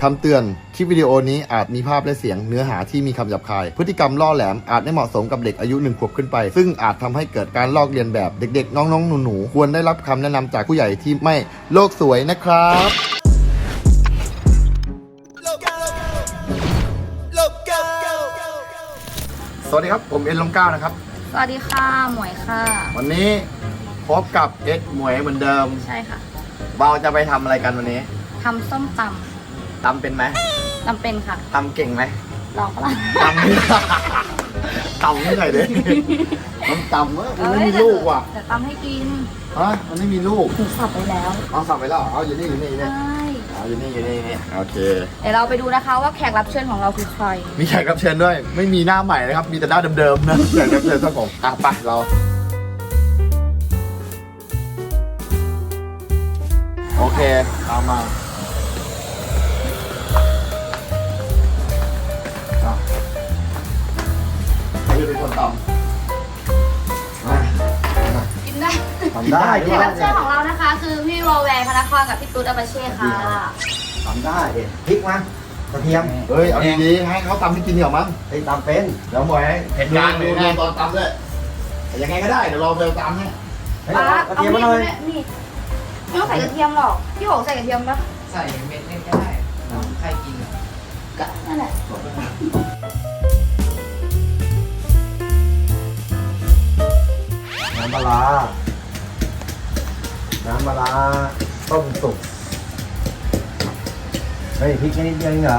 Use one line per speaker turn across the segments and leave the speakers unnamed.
คำเตือน คลิปวิดีโอนี้อาจมีภาพและเสียงเนื้อหาที่มีคำหยาบคาย พฤติกรรมล่อแหลมอาจไม่เหมาะสมกับเด็กอายุ1 ขวบขึ้นไป ซึ่งอาจทำให้เกิดการลอกเลียนแบบเด็กๆ น้องๆ หนูๆ ควรได้รับคำแนะนำจากผู้ใหญ่ที่ไม่โลกสวยนะครับ สวัสดีครับ ผมเอ็นลงก้านะครับ
สวัสดีค่ะหมวยค่ะ
วันนี้พบกับเอ็ดหมวยเหมือนเดิม
ใช่ค่ะ
เราจะไปทำอะไรกันวันนี้
ทำส้มต
ตำเป็นไหม
ำจำเป็นค่ะ
ตำเก่งไหม
ลองปะล่ะ
ตำไม่ตำไม่ไหนเลยมันตำมันไม่มีลูกว่ะ
เดี๋ยวตำให้กิน
ฮะมันไม่มีลูก
หนูสับไปแล้ว
เอาสับไปแล้วเหรอเอาอยู่นี่อยู่นี่
ใช่
เอาอยู่นี่โอเค
เดี๋ยวเราไปดูนะคะว่าแขกรับเชิญของเราคือใคร
มีแขกรับเชิญด้วย ไม่มีหน้าใหม่นะครับ มีแต่หน้าเดิมๆนะแขกรับเชิญครับผมไปเราโอเคตามมาใครจะเป็นคนตำมา
กินได้
ทำได้
แขกรับเชิญของเรานะคะ คือพี่วอลแวร์พนักงานกับพี่ตุ๊ดอาบาเช่ค่ะ
ทำได้ดิพริกมากระเทียม
เฮ้ยเอาดีๆให้เขาตำให้กินเดี๋ยวมั้ง
ไอ้ตำเป็น
เดี๋ยวหมวยเห็นการดูตอนตำด้วยยังไงก็ได้เดี๋ยวเราไปตำให้
เฮ้ย
ป้า
เอากระเทียมมาหน่อย
นี่ไม่ต้องใส่กระเทียมหรอก พี่โหใส่กระเทียมปะ
ใส่เม็ดเล็กก็ได้ใครกิน
ก็นั่นแหละ
น้ำปลาร้าน้ำปลาร้าต้มสุกเฮ้ยพริกแค่นิดเดียวเองเหรอ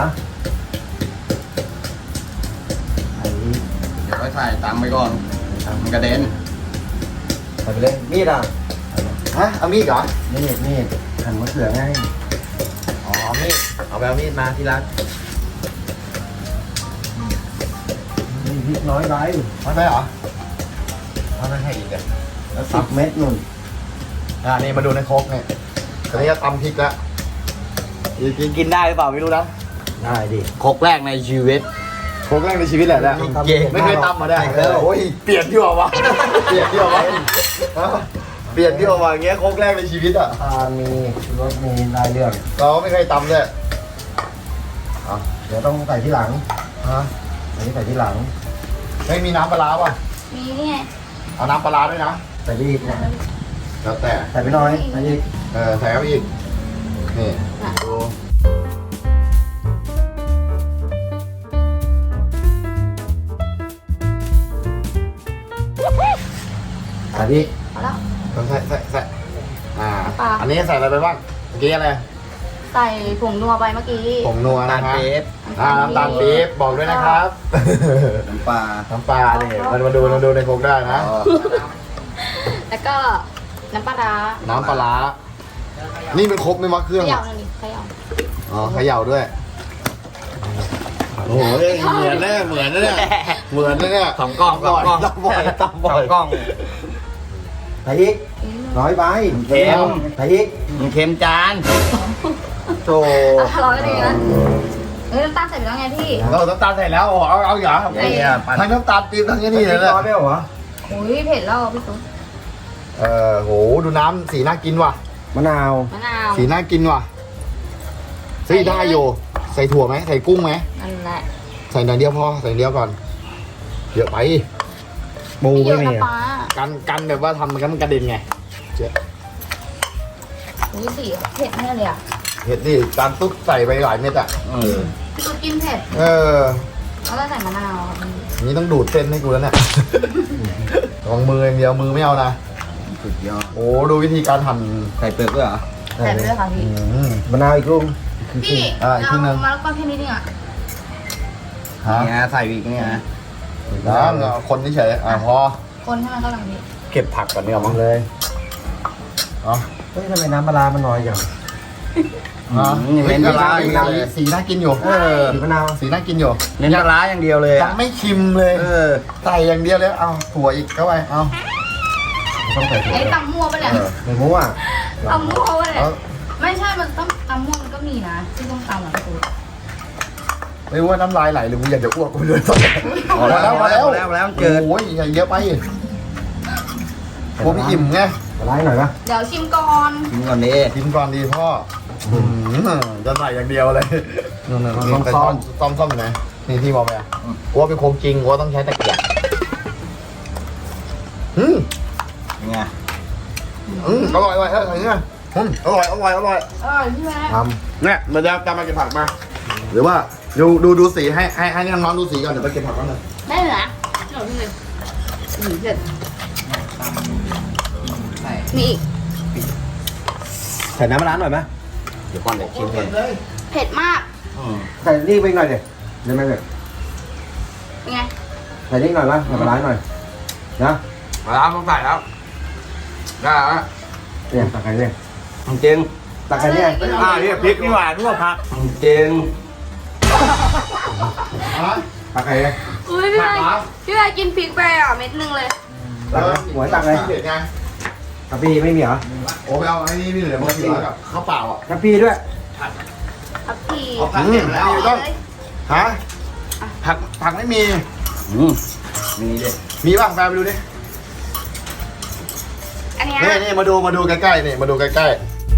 ไอ้นี่
เดี๋ยวค่อยถ่ายตำไปก่อนมันกระเด็น
ใส่ไปเลยมีดอ่ะ
ฮะเอามีดเหรอ
มีดหั่นมะเขือไง
อ๋อมีดเอาไปเอามีดมาที่ร้าน
นี่พริกน้อยไป
ไม่ไปเหรอเอาไม่ให้อีกอ่ะแล้ว
10 เม็ดนุ่น
นี่มาดูในโครกเนี่ยตอนนี้จะตำพริกแล้วกินได้หรือเปล่าไม่รู้นะ
ได้ดิ
โครกแรกในชีวิตโครกแรกในชีวิตแหละเนี่ย
เก่ง
ไม่เคยตำมาได้
เออ
โอ้ยเปลี่ยนที่ว่าเปลี่ยนที่ว่าเปลี่ยนที่ว่าอย่างเงี้ยโครกแรกในชีวิตอ่ะ
ทานมีรสมีลายเรื่อง
เราไม่เคยตำเลย
เดี๋ยวต้องใส่ที่หลัง
ฮะ
อันนี้ใส่ที่หลัง
ไม่มีน้ำปลาร้าป่ะ
มีนี่ไง
เอาน้ำปลาร้าด้วยนะ
ใส่ไปอีกเนี่ย
แล้วแต่
ใส่ไปหน่อยใส่อีก
ใส่เข้าไปอีกนี่ดู
ใส่พริก
เอาแล้ว
ต้องใส่
ปลา
อันนี้ใส่อะไรไปบ้างเมื่อกี้อะไร
ใส่ผงนัวไปเมื่อกี้
ผงนัวนะฮะ
น้ำ
น้ำตาลปี๊บบอกด้วยนะครับ
น้ำปลา
น้ำปลาเนี่ยมาดูในโคกได้นะ
แล้วก็น้ำปลาร้า
น้ำปลาร้านี่เป็นครกไม่มักเค
เข
รื่อง
ย่า
อ่ะ
หน่อยดิเขย่า
อ๋อเขย่าด้วยโอ้โหเหมือนแน่เหมือนนะเนี่ยเหมือนนะเนี่ย
สองกล้อง
ตำบ่อย
สองกล้อง
ใส่อีกน้อยไป
เค็ม
ใส่อีก
มันเค็มจาน
โธ
อร่อยก็ดีนะน้ำตาลใส่ไปแล้วไงพี่
เราน้ำตาลใส่แล้วเอาอย่า
เนี่ยปั่น
ทั้งน้ำตาลปี๊บทั้งนี่เลย
น้
นะ
อยไปเหรอ
อุ้ยเผ็ดแล้วพี่ตุ๊ก
โหดูน้ำสีน่ากินว่ะ
มะนาว
มะนาว
สีน่ากินว่ะเฮ้ยได้อยู่ใส่ถั่วไหมใส่กุ้งไหม
นั่นแหละ
ใส่อย่างเดียวพอใส่อย่างเดียวก่อนเยอะไป
ปู
เย
ไม่
อะ
มี
นะ
อ่ะ
ป้า
กันแบบว่าทำมันกระเด็นไงเจ๊
อุ้ยสีเผ็ดแน่เลยอ่ะ
เห็ดนี่การตุ๊กใส่ไปหลายเม็ดอ่ะ
พี่ตุ๊กกินเผ็ด แล้วก็ใส่มะนาวครับพี่
นี่ต้องดูดเส้นให้กูแล้วเนี่ยลองมืออย่างเดียวมือไม่เอานะ
สุดยอด
โอ้ดูวิธีการหั่น
ใส่เปลือกด้วยเหรอ
ใส่ไปด้วยค่ะพี่
มะนาวอีกลูก
พี่
อีกครึ่งนึง
มะละกอแค่นี้นึงอ่ะ
ฮะ
เนี่ยใส่อีกเนี่ยนะ
แล้วคนเฉยพอ
คนให้มันเข้ากันพี่
เก็บผักก่อนเนี่ยมั้ง
เลย
อ๋อ
เฮ้ยทำไมน้ำปลาร้ามันน้อยจัง
เห็นอะไรสีน่ากินอยู่
สีมะนาว
สีน่ากินอยู่
เน้นปลาร้าอย่างเดียวเลย
ยังไม่ชิมเลยใส่อย่างเดียวเลยเอาถั่วอีกเข้าไปเอา
ต้องใส่ถั่ว
ไอ้ตำมั่วปะเนี่ย
ไม่รู้อ่ะ
ตำมั่วปะเนี่ย
เอา
ไม่ใช่ มันต้องตำมั่วมันก็มีนะที่ต้องตำอ่ะพี่ตุ๊ก
ไม่ว่าน้ำลายไหลหรือกูอยากจะอ้วกกูเลย
พอแล้วพอแล้วเจิด
โอ้ยอย่าเยอะไปกูไม่อิ่มไง
ปลาร้าหน่อยปะ
เดี๋ยวชิมก่อน
กินก่อนดิ
กินก่อนดีพ่อ
อ
จะใส่อย่างเดียวเลยต้องซ่อมอยู่ไหนนี่ที่มองไปอ่ะกูว่าเป็นโคมจริงกูว่าต้องใช้ตะเกียบ
เป็นไง
อร่อยอะไรเนี่ยอร่อย
พี่แม่
ทำเนี่ยมันจะมาเก็บผักมาหรือว่าดูสีให้น้องๆดูสีก่อนเดี๋ยวไปเก็บผักกันเลย
ได้เหรอหนูพี่เลยเผ็ดมีอีก
ใส่น้ำมะนาวหน่อยไหม
เดี๋ยวก่อนเดี๋ยวชิมเอง
เผ็ดมาก
ใส่นี่ไปหน่อยเดี๋ยวได้ไหมเนี่ย
เป็นไง
ใส่นี่หน่อยไหมใส่มะนาวหน่อยนะ
มาแล้วต้องใส่แล้วได้แล้ว
เนี่ยตักไข่เนี่ย
จริง
ตักไข่เนี่ย
เนี่ยพริกนี่หว่าทั่วผัก
จริง
ตักไข่เนี่ย
อุ้ยพี่แม่กินพริกไปอ่ะเม็ดนึงเลย
ตักหัวตักเลย
เด็ดไง
กะปิไม่มีเหรอ
โอ้ไปเอาไอ้นี่พี่เหลือมากินกับข้าวเปล่าอ่ะ
กะปิด้วย
ครับพี่
เอาผักเก็บแล้วต้องฮะผักไม่มี
มีดิ
มีบ้างแฟนไปดูดิ
อันเนี้ย
นี่มาดูใกล้ๆนี่มาดูใกล้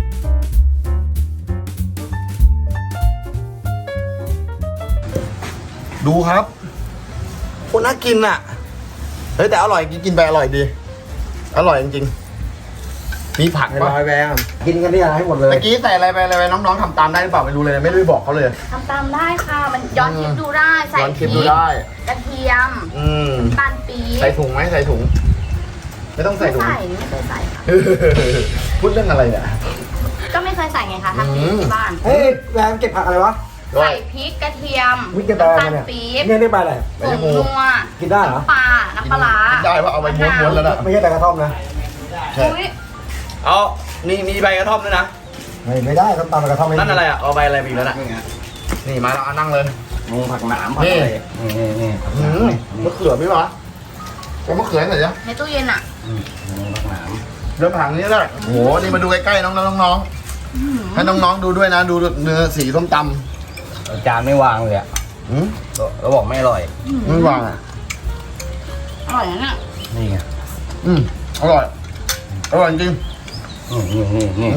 ๆดูครับคนน่ากินอ่ะเฮ้ยแต่อร่อยกินไปอร่อยดีอร่อยจริงๆมีผัก
ให้
ปะ
ร้อยแบงกินกันเนี่ยให้หมดเลย
เมื่อกี้ใส่อะไรไปน้องๆทำตามได้หรือเปล่าไม่รู้เลยไม่ได้บอกเขาเลย
ทำตามได้ค่ะ มันย้อนคลิปดูได้ใส่
ย้อน
พ
คลิ
ริ
ป
ก
ดูได้
กระเทียม
ม
ตาลปี๊บ
ใส่ถุงไหมใส่ถุง ไม่ต้องใส่ถุง
ไม่เคยใส่ค่ะ
พูดเรื่องอะไรเนี่ย
ก็ไม่เคยใส่ไงคะทำที่บ้าน
เฮ้ยแบงเก็บผักอะไรวะ
ใส่พริกกระเทียม
วิกเก็บอะไร
น้ำตาล
เนี่ย
ปี๊บ
เนี่ยได้ใบอะไร
ผงนัว
กินได้เหรอ
ปลาน้ำปลาร้า
ได้ว่าเอาไปม้วนๆแล้วนะ
ไม่ใช่แต่กระท่อมนะ
ใช่
อุ้ย
เอามีใบกระท่อมด้วยนะ
ไม่ได้ต้องตำกระท่อม
นั่นอะไรอ่ะ เอาใบอะไรไปอีกแล้วน่ะ
นี่มาแล้วเอานั่งเลย
ผักหนามผักอะไรนี่ผักหนามนี่
มะเขือพี่วะเอามะเขือหน่อยจ้ะ
ในตู้เย็นอ่ะ
ผักหนาม
เริ่มผังนี้แล้วโอ้โหนี่มาดูใกล้ๆน้องๆให้น้องๆดูด้วยนะดูเนื้อสีส้มต
จานไม่วางเลยอ่ะ
ำ
แล้วบอกไม่อร่อย
ไม่วางอ่ะ
อร่อยนะเนี่ย
นี่ไง
อร่อยจริง
นี่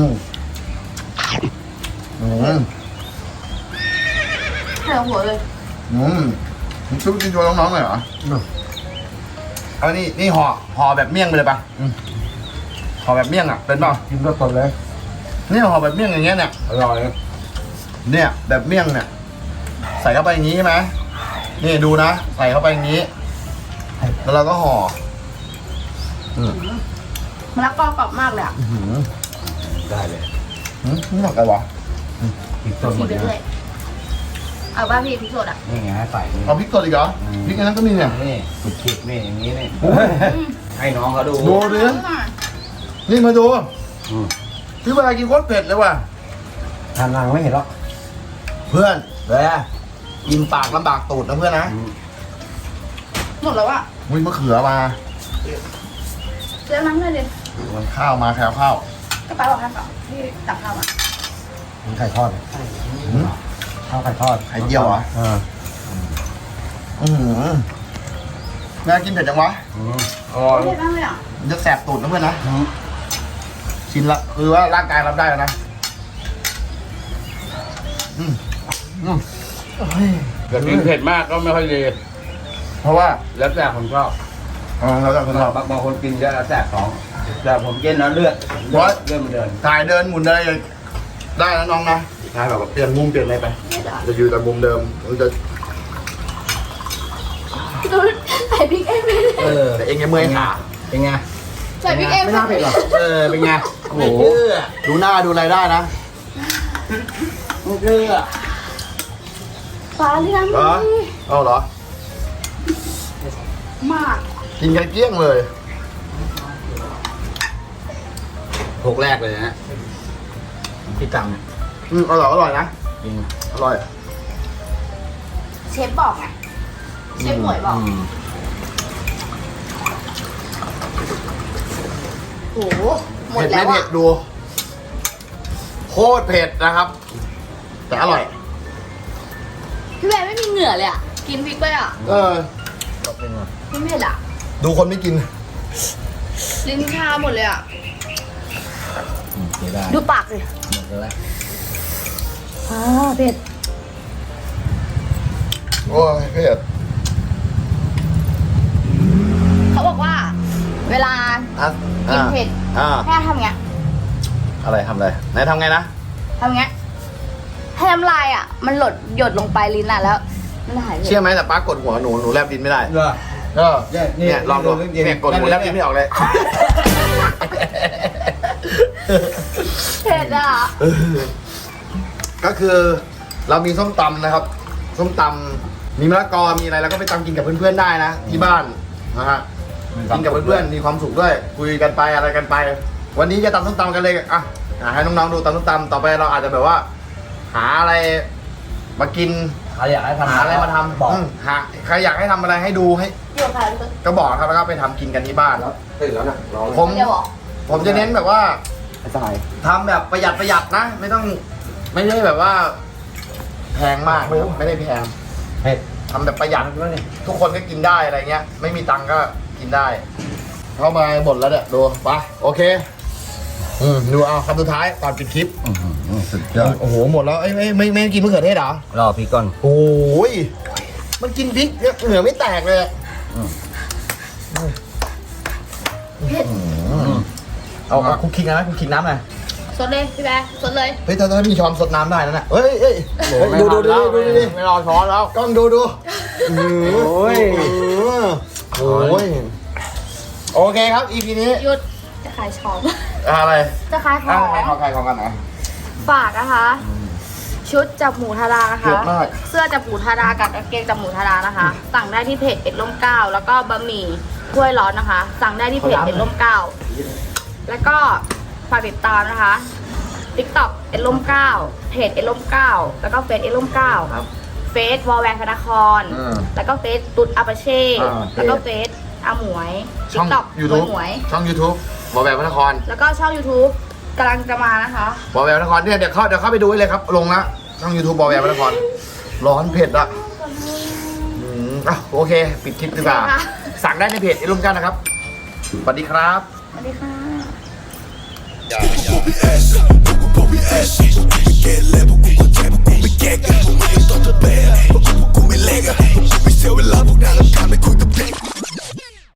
เผ็ดหัวเลย
ชุบกินโชว์น้องๆหน่อยเหรอเอานี่ห่อแบบเมี่ยงไปเลยปะห่อแบบเมี่ยงอ่ะเป็นเปล่า
กินสดๆเลย
นี่ห่อแบบเมี่ยงอย่างเงี้ยเนี่ย
อร่อย
เนี่ยแบบเมี่ยงเนี่ยใส่เข้าไปอย่างนี้ใช่ไหมนี่ดูนะใส่เข้าไปอย่างนี้แล้วเราก็ห่อ
มะละกอกรอบมากเลยอ่ะ
ได้เลย
นี่หนักอะไรวะ
กินสดหม
ที
ด
ไป
เลย
เรื่อยเอาป่ะพี่พริกสดอ่ะ
นี่ไงให้ใส่นี่
เอาพริกสดอีกเหรอพริกอันนั้นก็มีเนี่ย
นี่สุดคิดนี่อย่างนี้นี่ให้น้องเขาดู
ดูดินี่มาดูที่เวลากินโคตรเผ็ดเลยว่ะ
ทานนางไม่เห็นหรอก
เพื่อนเลยกินปากลำบากตูดนะเพื่อนนะ
หมดแล้วอ่ะ
วิ่งมะเขือมา
เรื่องน้ำเลยดิ
มันข้าวมาแคลข้าว
กระเป๋าบอกให้เปล่าพี่ตักข้าวมา
มีไข่ทอดข้าวไข่ทอด
ไข่เจียวเหรอแม่กินเผ็ดจังวะ
เผ็ดมากเลยอ่ะ
มันจะแสบตูดนะเพื่อนนะชินละคือว่าร่างกายรับได้แล้วนะ
เกิดกินเผ็ดมากก็ไม่ค่อยดี
เพราะว่า
แล้วแต่คนชอบ
เราจะคนเรา
บางคนกินเยอะแล้วแสบท้องแต่ผมกินแล้วเลือดมันเดิน
ถ่ายเดินหมุนอะไรได้นะน้องนะถ่ายแบบเปลี่ยนมุมเปลี่ยนอะไรไป
เผ็ดอ่ะ
จะอยู่แต่มุมเดิมมันจะ
ดูใส่พริกเองเลย
แต่เองยังเมื่อยขา
เป็นไง
ใส่พริกเอง
ไม่น่าเผ็ดหรอก
เป็นไงโอ้โห
ดูหน้าดูอะไรได้นะ
ไม่เชื่อ
ปลาที่น้ำ
เหรอ
ดี
เอาเหรอ
มาก
กินกันเกลี้ยงเลย
โขกแรกเลยนะพี่ตังเนี่ย
อร่อยนะ
จริง
อร่อย
เชฟบอกไงเชฟหมวยบอกโอ้โหหมด
เผ็ด
แล้ว
ไม่
อ่ะ
เผ็ดดูโคตรเผ็ดนะครับ แต่อร่อย
พี่แม่ไม่มีเหงื่อเลยอ่ะกินพริกไปอ่ะ
ก็เป็นไง
ไม่เผ็ดอ่ะ
ดูคนไม่กิน
ลิ้นชาหมดเลยอ่ะ
เสียดาย
ดูปากเลย
หมดแล้ว
เผ็ด
โอ้ยเผ็ด
เขาบอกว่า เวลา กินเผ็ด แค่ทำเงี้ย
อะไรทำอะไรไหนทำไงนะ
ทำเงี้ยให้น้ำลายอ่ะ มันหยดลงไปลิ้นอ่ะแล้วมันหายเผ็ด
เชื่อไหมแต่ป้ากดหัวหนูแลบดินไม่ได้
เหรอ
ก็
นี่
เนี่ยลองดูเนี่ยกดหัวแลบดินไม่ออกเลย
เผ็ดอ่ะ
ก็คือเรามีส้มตำนะครับ ส้มตำมีมะละกอมีอะไรแล้วก็ไปตำกินกับเพื่อนๆได้นะที่บ้านนะฮะกินกับเพื่อนๆมีความสุขด้วยคุยกันไปอะไรกันไป วันนี้จะตำส้มตำกันเลยอ่ะให้น้องๆดูตำส้มตำต่อไปเราอาจจะแบบว่า หาอะไรมากิน
ใครอยากให้ทำ
หาอะไรมาทำ
บอก
หาใครอยากให้ทำอะไรให้ดูให้
อยู่กับใครพี่
ก็บอกครับแล้วก็ไปทำกินกันที่บ้าน
ตื่นแล้วนะร้อง
ผม
เดี๋ยวบอก
ผมจะเน้นแบบว่า
ไอ้สาย
ทำแบบประหยัดนะ ไม่ได้แบบว่า แพงมากนะครับไม่ได้แพง
เผ็ด
ทำแบบประหยัดทุกคนก็กินได้อะไรเงี้ย ไม่มีตังค์ก็กินได้ เข้ามาหมดแล้วเนี่ยดูไปโอเคดูเอาคำสุดท้ายก่อนปิดคลิป
สุดยอด
โอ้โหหมดแล้วไม่กินมะเขือเทศเหรอ
รอพี่ก่อน
โอ้ยมันกินพริกเนี่ยเหนือไม่แตกเลยอะ
เผ็ด
เอาคุกคิงนะคุกคิงน้ำหน่อย
สดเลยพี่แบ๊สดเลย
เฮ้ยถ้ามีช้อนสดน้ำได้นะเฮ้ยดูดิ
ไม่รอช้อนแล้ว
กล้องดูโอ้ยโอเคครับ EP นี้
หยุดจะขายช็อป
อะไร
จะขายของ
ใครของกันนะ
ฝากนะคะ ชุดจับหมูทารานะคะ
เยอะมาก
เสื้อจับหมูทารากับกางเกงจับหมูทารานะคะ สั่งได้ที่เพจเอ็ดร่มเกล้าแล้วก็บะหมี่ถ้วยร้อนนะคะ สั่งได้ที่เพจเอ็ดร่มเกล้าแล้วก็ฝากติดตามนะคะ TikTok เอ็ดร่มเกล้าเพจเอ็ดร่มเกล้าแล้วก็เฟซเอ็ดร่มเกล้า
ครับ
เฟซวอลแวงธนาคร แล้วก็เฟซตุ๊ดอาปาเช่ แล้วก็เฟซอาหมวย
ช่อง
TikTok
YouTube
หมวย
ช่อง YouTube บอแววพระนคร
แล้วก็ช่อง YouTube กำลังจะมานะคะ
บอแววพระนครเนี่ยเดี๋ยวเข้าไปดูได้เลยครับ ลงละช่อง YouTube บอแววพระนครร้อนเผ็ดอ่ะโอเค ปิดคลิปดีกว่า
โอเคค่ะ
สั่งได้ในเพจไอ้ร่มกันนะครับ สวัสดีครับ
สวัสดีค่ะ
อย่า